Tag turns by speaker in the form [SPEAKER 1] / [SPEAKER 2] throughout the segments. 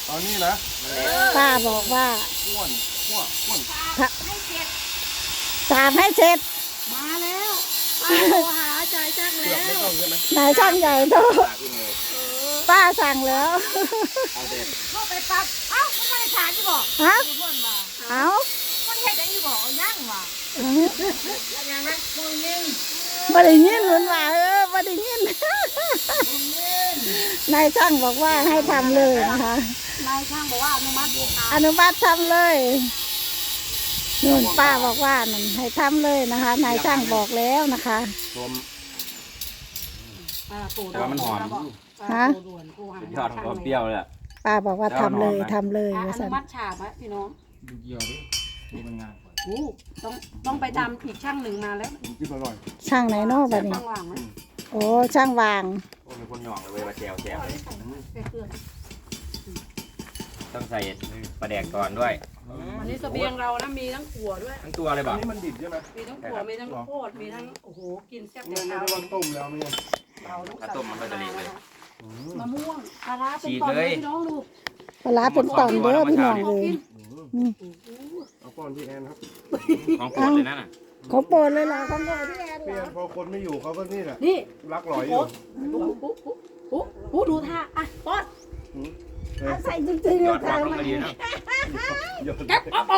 [SPEAKER 1] ตอนนี้นะ
[SPEAKER 2] ป้าบอกว่า
[SPEAKER 1] อ้วน
[SPEAKER 2] สามให้เสร็จ
[SPEAKER 3] มาแล้วป้าโทรหาใจายจัง
[SPEAKER 1] เกื
[SPEAKER 3] แล้
[SPEAKER 1] อบไม่
[SPEAKER 3] ว
[SPEAKER 1] ต้องใช่ไหม
[SPEAKER 2] นายช่างใหญ่โต
[SPEAKER 4] ปากขึ้นเลย
[SPEAKER 2] ป้าสั่งแล้ว
[SPEAKER 4] เอาเด็ด
[SPEAKER 3] เข้าไปปั๊บเอ้ามันไม่ได้ถามที่บอก
[SPEAKER 2] ฮะ
[SPEAKER 3] ดูเพื่อนมา
[SPEAKER 2] เอา
[SPEAKER 3] มันเห็นได้ที่บอกย่างว่ะยังไงมึงยิง
[SPEAKER 2] บ่ได้ยินเหมือนว่าบ่ได้ยิน นายช่างบอกว่าให้ทำเลยนะคะ
[SPEAKER 3] นายช่างบอกว่าอนุมัติ
[SPEAKER 2] อนุมัติทำเลยนู่นป้าบอกว่านั่นให้ทำเลยนะคะ นายช่างบอกแล้วนะคะ
[SPEAKER 4] รวม
[SPEAKER 3] ปู่
[SPEAKER 4] แต่ว่ามันหอม
[SPEAKER 2] ฮะ
[SPEAKER 3] ปู่ด่วนปู่หา
[SPEAKER 4] สุดยอดของความเปรี้ยวเลยอะ
[SPEAKER 2] ป้าบอกว่าทำเลยทำเลย
[SPEAKER 3] อ
[SPEAKER 2] ว่า
[SPEAKER 3] นุ
[SPEAKER 2] ซั่น
[SPEAKER 3] มัติฉาบอะพี่น้อง
[SPEAKER 1] ดูเกี่ยวดิดูมันงานก่อน
[SPEAKER 3] อู้ต้องไปดำอีกช่างหนึ่งมาแล้ว
[SPEAKER 1] ผมกินอร่อย
[SPEAKER 2] ช่างไหนเนาะบัดนี้
[SPEAKER 3] ช่างว่างไหม
[SPEAKER 2] โอ้ช่างวาง
[SPEAKER 4] โอ้มีคนหยองเลยเว้ยมาแจวเลย
[SPEAKER 3] เพื่อน
[SPEAKER 4] ต้องใส่ปลาแดกก่อนด้วย
[SPEAKER 3] วันนี้เสบียงเรานะมีทั้งขั่วด้วย
[SPEAKER 4] ทั้งตัวเลย
[SPEAKER 1] อั
[SPEAKER 4] บ่
[SPEAKER 1] นนี้มันดิบใช่ไหม
[SPEAKER 3] มีทั้งขั่วมีทั้งโคตรมีทั้งโอ้โหกินแซ่บ
[SPEAKER 1] ไม่
[SPEAKER 3] แต่
[SPEAKER 1] ได้
[SPEAKER 3] เช้า
[SPEAKER 1] ว่าต้มแล้วไม่ใช่
[SPEAKER 3] เราลูก
[SPEAKER 4] ถ้าต้มมันก็จะเละเลย
[SPEAKER 3] มะม่วงปลาร้าเป็น
[SPEAKER 4] ฉีด
[SPEAKER 3] ตอน
[SPEAKER 4] เล
[SPEAKER 3] เลย ยพี่น้องดู
[SPEAKER 2] ปลาร้าเป็นตอนเด้อพี่น้อง
[SPEAKER 3] พอ
[SPEAKER 2] เลย
[SPEAKER 3] กิน
[SPEAKER 1] เอาป้อนพี่แอนครับ
[SPEAKER 4] ของโปรดเลยนั่นน่ะ
[SPEAKER 2] เขาโปรดเลยล่ะเขาโปรดพี่แอน
[SPEAKER 1] พี่
[SPEAKER 2] เหร
[SPEAKER 1] แอ
[SPEAKER 2] อน
[SPEAKER 1] พอคนไม่อยู่เขาก็นี่แหละ
[SPEAKER 3] นี่
[SPEAKER 1] รักหลอยอยู่
[SPEAKER 3] ปุ๊ดูท่าอ่ะป้อน
[SPEAKER 2] เอาใส่จริงๆ
[SPEAKER 4] ย
[SPEAKER 2] เล
[SPEAKER 4] อย ดรั
[SPEAKER 2] ค่ะ
[SPEAKER 4] กลงมาดีนะ
[SPEAKER 3] แก๊ปป๊อป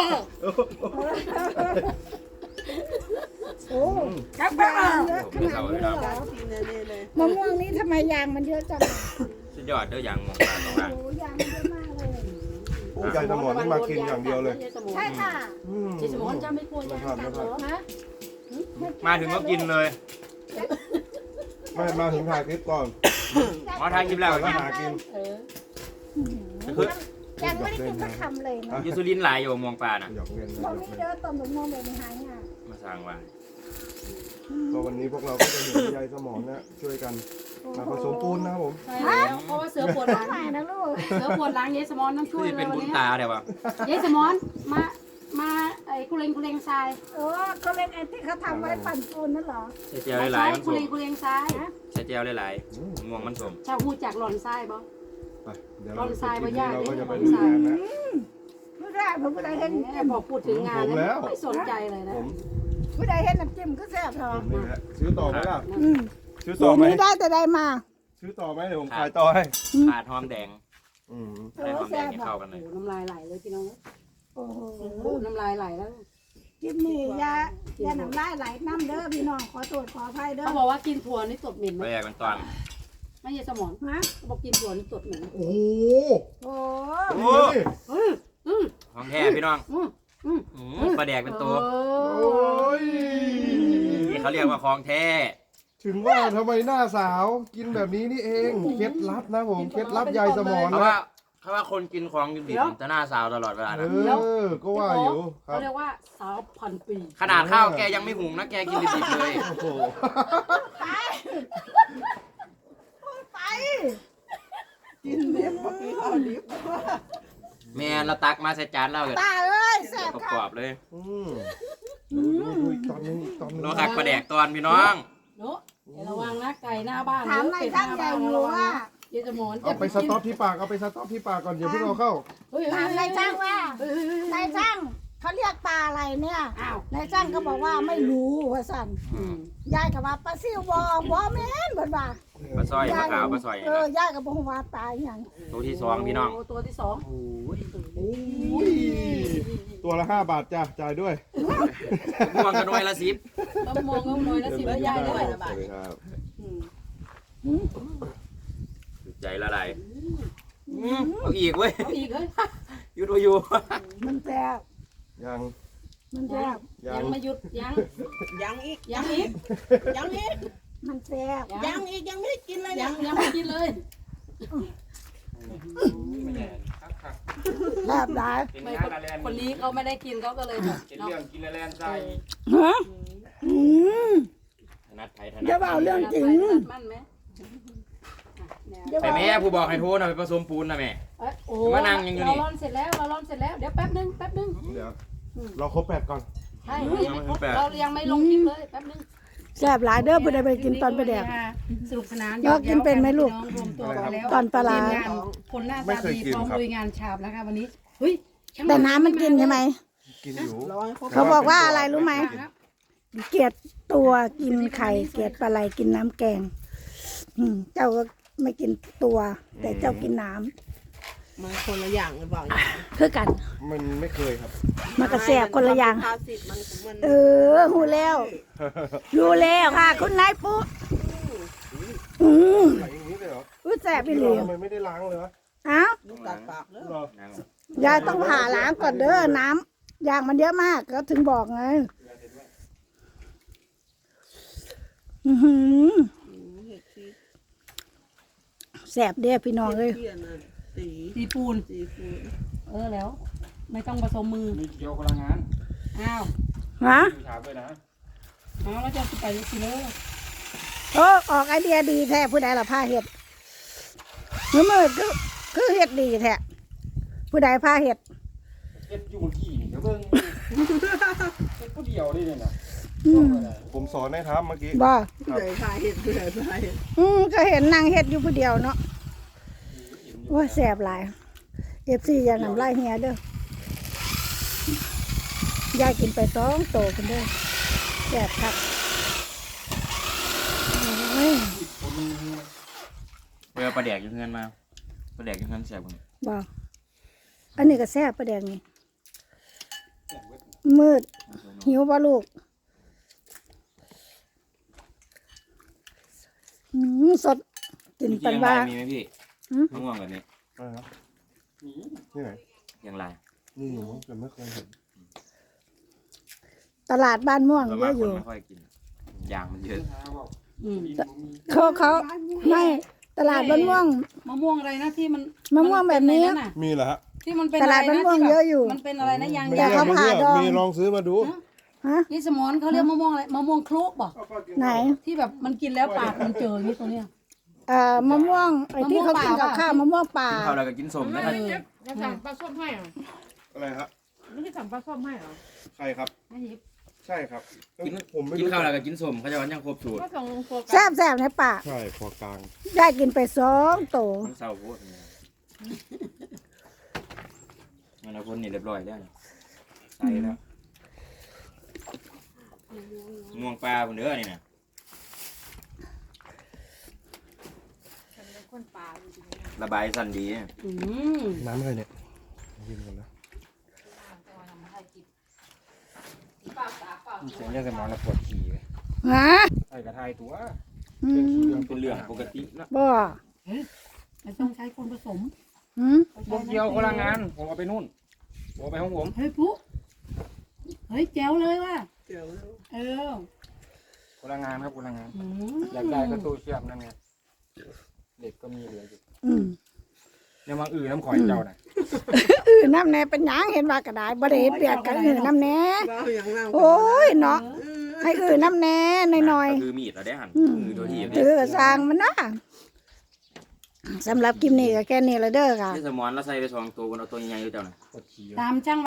[SPEAKER 2] โอ้
[SPEAKER 3] แก๊ปป๊อป
[SPEAKER 4] ผมจะเศร้าเลยนะ
[SPEAKER 2] มะม่วงนี้ทำไมยางมันเยอะจัง
[SPEAKER 4] สุดยอดเด้อยางมองตาตรงนั้น
[SPEAKER 2] โอ้ยางมันเยอะมากเลย
[SPEAKER 1] โอ้ยายสมอนนี่มากินอย่างเดียวเลย
[SPEAKER 2] ใช่ค่ะ
[SPEAKER 3] ยายสมอนจะไม่กลัวยางกันเหรอ
[SPEAKER 2] ฮะ
[SPEAKER 4] มาถึงก็กินเลย
[SPEAKER 1] ไม่มาถึงถ่ายคลิปก่อน
[SPEAKER 4] มาทานคลิปแล้ว
[SPEAKER 1] แล้ว
[SPEAKER 4] กิน
[SPEAKER 1] หากิน
[SPEAKER 4] คือ
[SPEAKER 2] ยังไม่ได้กินสักคำเลยนะ
[SPEAKER 4] ยูซูลินหลายอยู่มองปลาน่ะ
[SPEAKER 1] หยอกเล่นนะ
[SPEAKER 2] ตรงนี้เด้อต้นมะม่วงแบบนี้หายง่าย
[SPEAKER 4] มาสร้างว่า
[SPEAKER 1] ก็วันนี้พวกเราก็จะเห็นยายสมอนนะช่วยกันมาผสมปูนนะครับผม
[SPEAKER 3] ใช่แล้วเพราะว่าเสือปวดหลัง
[SPEAKER 2] ใหม่นะลูก
[SPEAKER 3] เสือปวดหลังยายสมอนต้องช่
[SPEAKER 4] คื
[SPEAKER 3] วย
[SPEAKER 4] อ
[SPEAKER 3] เล
[SPEAKER 4] เป็
[SPEAKER 3] ย
[SPEAKER 4] น
[SPEAKER 3] วัน
[SPEAKER 4] บุญ
[SPEAKER 3] นี้
[SPEAKER 4] ตาเดี๋ยววะ
[SPEAKER 3] ยายสมอนมาไอ้คุเรงทราย
[SPEAKER 2] ก็เล่นไอ้ที่เขาทำไว้ปั่นปูนนั่นเหรอ
[SPEAKER 4] ใส่เจียวหลายๆมัน
[SPEAKER 3] คุ
[SPEAKER 4] ส
[SPEAKER 3] เร
[SPEAKER 4] ม
[SPEAKER 3] งทรายนะ
[SPEAKER 4] ใส่เจียวหลายๆม่วงมันสม
[SPEAKER 3] ชาวฮูจากหล่อนทรายบ่
[SPEAKER 1] ไปเดี๋ยว
[SPEAKER 3] บอนไซน์บ่ยาก
[SPEAKER 1] เราก็
[SPEAKER 3] เนี่ย
[SPEAKER 1] จะไป
[SPEAKER 3] บอน
[SPEAKER 1] ดู
[SPEAKER 3] ไซน์
[SPEAKER 1] งานนะ
[SPEAKER 2] ผู้ใดผมผู้ใดเห็น
[SPEAKER 3] แม่บอกพูดถึงงานนะไม่สนใจเลยนะ
[SPEAKER 1] ผม
[SPEAKER 2] ผู้ใดเห็นน้ำจิ้มก็แซ่บเหรอ
[SPEAKER 1] ผมนี่แหละซื้อต่อไหมล่ะ
[SPEAKER 2] อืม
[SPEAKER 1] ซื้อ
[SPEAKER 2] สู
[SPEAKER 1] ต่อ
[SPEAKER 2] ตร
[SPEAKER 1] ไหม
[SPEAKER 2] นี้ได้แต่ได้มา
[SPEAKER 1] ซื้อต่อไหมเดี๋ยวผมขายต่อให้
[SPEAKER 4] ขาดหอมแดง
[SPEAKER 1] อืม
[SPEAKER 4] ได้หอมแดงให้เข้ากันเล
[SPEAKER 3] โอ้
[SPEAKER 4] ย
[SPEAKER 3] น้ำลายไหลเลยพี่น้อง
[SPEAKER 2] โอ้โห
[SPEAKER 3] น้ำลายไหลแล้ว
[SPEAKER 2] กินนี่ยาน้ำลายไหลน้ำเด้อพี่น้องขอโทษขออภัยเด้อ
[SPEAKER 3] เขาบอกว่ากินถั่วนี่ตดเหม็นไหม
[SPEAKER 4] ไปแยกเป็นตอน
[SPEAKER 3] ไม่ใช่สมอง
[SPEAKER 2] ฮะ
[SPEAKER 3] เขาบอกกินถั่วนี่ตดเหม็น
[SPEAKER 1] โอ้โห
[SPEAKER 2] โอ้
[SPEAKER 4] โอ้
[SPEAKER 1] นี่
[SPEAKER 4] ของแท้พี่น้องปลาแดกเป็นตัว
[SPEAKER 1] โอ้ย
[SPEAKER 4] นี่เขาเรียกว่าของแท้
[SPEAKER 1] ถึงว่าทำไมหน้าสาวกินแบบนี้นี่เองเคล็ดลับนะผมเคล็ดลับยายสมอน
[SPEAKER 4] เพราะ
[SPEAKER 1] นะ
[SPEAKER 4] ว่าเขาว่าคนกินของดิบๆจะหน้าสาวตลอดเวลานะ
[SPEAKER 1] ก็ว่าอยู่ครั
[SPEAKER 3] เขา
[SPEAKER 1] บ
[SPEAKER 3] เรียกว่าสาวพันปี
[SPEAKER 4] ขนาดข้าวแกยังไม่หุงนะแกกินดิบๆเลย
[SPEAKER 1] โอ้โห
[SPEAKER 2] กินเล็บข้าวดิบ
[SPEAKER 4] แม่เราตักมาใส่จานเราเลย
[SPEAKER 2] ตาเอ้ยแซ่บ
[SPEAKER 4] ประ
[SPEAKER 2] ค่ะ
[SPEAKER 4] กอบเลย
[SPEAKER 1] ดูอีกตอนนึงอีกตอนนึง
[SPEAKER 4] เราคักปลาแดกตอนพี่น้อง
[SPEAKER 3] เนาะระวังนะไก่หน้าบ้าน
[SPEAKER 2] ถามนายช่างใหญ่อยู่ว่า
[SPEAKER 3] ยายสมอน
[SPEAKER 1] เอาไปสต็อปที่ปากเอาไปสต็อปที่ปากก่อนเดี๋ยวเพิ่งเอาเข้า
[SPEAKER 2] ถามนายช่างว่านายช่างเขาเรียกปลาอะไรเนี่ย
[SPEAKER 3] อ้าวน
[SPEAKER 2] ายช่างก็บอกว่าไม่รู้ว่าสั่นยายก็ว่าปลาซิวบอแม่นเบิดว่า
[SPEAKER 4] ปลาสร้อยปลาขาวปลาสร้อย
[SPEAKER 2] ยายก็บอกว่าปลาอหย่าง
[SPEAKER 4] ตัวที่สองพี่น้อง
[SPEAKER 3] ตัวที่สอง
[SPEAKER 1] อุ้ยตัวละ5 บาทจ้ะจ่ายด้วย
[SPEAKER 4] ม่วงกระน้อยละสิบ
[SPEAKER 3] ต้องมองน้อยนะสิแล้วยายด้วย
[SPEAKER 1] สวัสดีครับ
[SPEAKER 4] ใจละลายเอาอีกเว้ย
[SPEAKER 3] เอาอีกเฮ้ย
[SPEAKER 4] อยู่ตัวอยู่
[SPEAKER 2] มันแซ่บ
[SPEAKER 1] ยัง
[SPEAKER 2] มันแซ่บ
[SPEAKER 3] ยังไม่หยุดยัง
[SPEAKER 5] ยังอีก
[SPEAKER 3] ยังอีก
[SPEAKER 5] ยังอีก
[SPEAKER 2] มันแซ่บ
[SPEAKER 5] ยังอีกยังไม่ได้กินเลย
[SPEAKER 3] ยั
[SPEAKER 5] นะ
[SPEAKER 3] งไม่กินเลย
[SPEAKER 2] แซ่บหลาย
[SPEAKER 3] ไม่คนนี้เขาไม่ได้กินเขาก็เลยแบบ
[SPEAKER 4] เป็น
[SPEAKER 3] เนาะ
[SPEAKER 4] เรื่องกินแลนใจ
[SPEAKER 2] ฮะ
[SPEAKER 4] ถนัดไทยถ
[SPEAKER 2] อย่า
[SPEAKER 4] นัด
[SPEAKER 2] เบาเรื่องจริง
[SPEAKER 3] มันไหม
[SPEAKER 4] ไปแม่ผู้บอกให้โทษนะไปผสมปูนนะแม่
[SPEAKER 3] โอ้
[SPEAKER 4] มานั่งยังอยู่นี่
[SPEAKER 3] เราร่อนเสร็จแล้วเราร่อนเสร็จแล้วเดี๋ยวแป๊บนึง
[SPEAKER 1] เดี๋ยวเราครบ8ก่อน
[SPEAKER 3] ใช่เรายังไม่ลงคลิปเลยแป๊บนึง
[SPEAKER 2] แซ่บหลายเด้อผู้ใดไปกินตอนปลาแดก
[SPEAKER 3] สนุกสนาน
[SPEAKER 2] ยอกกินเป็นไหมลูก
[SPEAKER 3] รวมตัวกันแล้ว
[SPEAKER 2] ตอนปลาร้า
[SPEAKER 3] ทีมงานคนหน้าตาดีพร้อมลุยงานฉาบแล้วค่ะวันนี้เฮ้ยช่าง
[SPEAKER 2] แต่น้ำมันกินใช่ไหม
[SPEAKER 1] กินอยู่
[SPEAKER 5] ร้อยเขา
[SPEAKER 2] เขาบอกว่าอะไรรู้ไหม เกลียดตัวกินไข่เกลียดปลาไหลกินน้ำแกง เจ้าก็ไม่กินตัว แต่เจ้ากินน้ำ
[SPEAKER 5] มันคนละอย่างหรือเปล่า
[SPEAKER 2] คือกัน
[SPEAKER 1] มันไม่เคยครับ
[SPEAKER 2] มันก็แสบคนละอย่าง
[SPEAKER 5] ภาษิตมันของมัน
[SPEAKER 2] เออหูแล้วรู้แล้วค่ะ คุณนายปุ๊
[SPEAKER 1] ไหลอย่างนี้เลยเหรอ
[SPEAKER 2] รู้แสบไปเลย
[SPEAKER 1] ทำไมไม่ได้ล้างเลยวะ
[SPEAKER 2] อ้าว
[SPEAKER 5] ลูกตัดปากแล้ว
[SPEAKER 1] เหรอ
[SPEAKER 2] ยายต้องผ่าล้างก่อนเด้อน้ำยางมันเยอะมากก็ถึงบอกไงอื้อหือ
[SPEAKER 5] เห็ดชี
[SPEAKER 2] แสบเด้อพี่น้องเอ้ย
[SPEAKER 5] เทียนน่ะสี
[SPEAKER 3] ตีปูน
[SPEAKER 5] สีฟู
[SPEAKER 3] แล้ว ไม่ต้องผสมมือ
[SPEAKER 4] มีเกี่ยวพลังงาน
[SPEAKER 3] อ้าว
[SPEAKER 2] ฮะ
[SPEAKER 4] ถามด้วยนะ
[SPEAKER 3] เอาแล้วจะไปสิเลย
[SPEAKER 2] โอ้ออกไอเดียดีแท้ผู้ใดล่ะผ้าเห็ดมืดคือเห็ดดีแท้ผู้ใดผ้าเห็ด
[SPEAKER 4] เฮ็ดอยู่ที่นี่เดี๋ยวเบิ่งเฮ็ดผู้เดียวได้เนี่ยนะ
[SPEAKER 2] อืม
[SPEAKER 1] ผมสอนให้ทำเมื่อกี้
[SPEAKER 2] บ่
[SPEAKER 5] ผู้ใหญ่พายเห็ดผู้ใหญ่พายเห็ด
[SPEAKER 2] ก็เห็นนางเห็ดอยู่ผู้เดียวเนาะโอ้ยแสบหลายFCอย่าน้ำลายเฮียเด้อยายกินไป2 โตกันเด้อแสบครับโอ้ย
[SPEAKER 4] เวลาปลาแดกอยู่เงินมาปลาแดกอยู่เงินแซ่บกว่านี้
[SPEAKER 2] บ่อันนี้ก็แสบประแดงนี่มืดหิวบ่ลูกสดกินปันว่า
[SPEAKER 4] มีไหมพี่
[SPEAKER 2] หืม
[SPEAKER 4] มะม่วงแบบนี้
[SPEAKER 1] อะไรครับนี่ไหน
[SPEAKER 4] อย่างไร
[SPEAKER 1] นี่อยู่แต่ไม่เคยเห็น
[SPEAKER 2] ตลาดบ้านม่วง
[SPEAKER 4] ส่วน
[SPEAKER 2] เย
[SPEAKER 4] มาก
[SPEAKER 2] อะอ
[SPEAKER 4] คน
[SPEAKER 2] ยู่
[SPEAKER 4] ไม่ค่อยกินยางมันเยอะ
[SPEAKER 2] เขาไม่ตลาดบ้านม่วง
[SPEAKER 3] มะม่วงอะไรนะที่มัน
[SPEAKER 2] มะม่วงแบบนี้
[SPEAKER 3] มัเป็อะไระ
[SPEAKER 1] มีเหรอฮะ
[SPEAKER 3] ที่มันเป็น
[SPEAKER 2] ตลาด
[SPEAKER 3] อะไรนะ
[SPEAKER 2] บ้านม่วง
[SPEAKER 3] ที่
[SPEAKER 2] เยอะอยู่
[SPEAKER 3] มันเป็นอะไรนะยาง
[SPEAKER 1] ไม่
[SPEAKER 2] แต่
[SPEAKER 1] เลือก
[SPEAKER 2] เขา
[SPEAKER 1] ไม่เลือก
[SPEAKER 2] ผ่าดอง
[SPEAKER 1] มีลองซื้อมาดู
[SPEAKER 2] ฮะ
[SPEAKER 3] นี่สมอนเขาเรียกมะม่วงอะไรมะม่วงคลุกบอก
[SPEAKER 2] ไหน
[SPEAKER 3] ที่แบบมันกินแล้วปากมันเจออย่างนี้ตัวเนี้ย
[SPEAKER 2] มะม่วงไอ้ที่เขากินกับข้าวมะม่วงป่า
[SPEAKER 4] กินข้าวแล้วก็กินสมนะครับ
[SPEAKER 3] จะสั่งปลาส้มให้เหรอ
[SPEAKER 1] อะไรฮะ
[SPEAKER 3] ไม่ได้สั่งปลาส้มให้เหรอ
[SPEAKER 1] ใครครับ
[SPEAKER 3] ไม่ยิบ
[SPEAKER 1] ใช่ครับ
[SPEAKER 4] กิน
[SPEAKER 1] ผมไม่
[SPEAKER 4] กิน
[SPEAKER 1] รู้
[SPEAKER 4] ข้าวแล้วก็กินสมเขาจะวันยังครบสูตร
[SPEAKER 3] ก็ส่งโฟกัส
[SPEAKER 2] แซ่บในป่า
[SPEAKER 1] ใช่พอกลาง
[SPEAKER 2] ได้กินไป2 โต
[SPEAKER 4] มันเศร้าโพดเนี่ยมันเอาคนนี่เรียบร้อยแล้วนี่ใส่แล้วม่วงปลาบนเนื้อนี่นะ ระบายสั้นดีเนี่ย
[SPEAKER 1] น้ำอะไรเนี่ยกินกันนะ
[SPEAKER 4] เสียงเรื่องกันมาแล้วปวดขี่
[SPEAKER 2] ฮะ
[SPEAKER 4] ไอ้กระทายตัว
[SPEAKER 2] อืม
[SPEAKER 4] เป็นเรื่องปกตินะ
[SPEAKER 2] บ่
[SPEAKER 3] ไม่ต้องใช้คนผสม
[SPEAKER 2] หืม
[SPEAKER 4] บกเกี่ยวคนละงาน ผมเอาไปนู่นผมเอาไปของผม
[SPEAKER 3] เฮ้ยปุ๊เฮ้ยแจ๋วเลยว่ะ
[SPEAKER 5] เดี๋ยว
[SPEAKER 3] เออ
[SPEAKER 4] คนละงานครับคนละงาน
[SPEAKER 3] อืม
[SPEAKER 4] อยากได้ก็ตู้เชื่อมนั่นไงเด็กก็มีเหลืออยู่
[SPEAKER 2] อืม
[SPEAKER 4] เนี่ยมังอื่นน้ำข่อยเจ้าน่ะ
[SPEAKER 2] น้ำแน่เป็นหยังเห็นว่ากระดาษบ่ได้เปียกกันน้ำแน่
[SPEAKER 5] บ้าอย่างนั้น
[SPEAKER 2] โอ้ยเนาะให้น้ำแน่หน่อย
[SPEAKER 4] ก็คือมีดเราได้หั่นมือตัวที่
[SPEAKER 2] ๆถือกระซางมันนะสำหรับคลิปนี้ก็แค่นี้ละเด้อค่ะ
[SPEAKER 4] ที่สมอนเราใส่ไป2 ตัวบนเอาตัวใหญ่ๆอยู่เจ้าน่ะ
[SPEAKER 3] ตามช่าง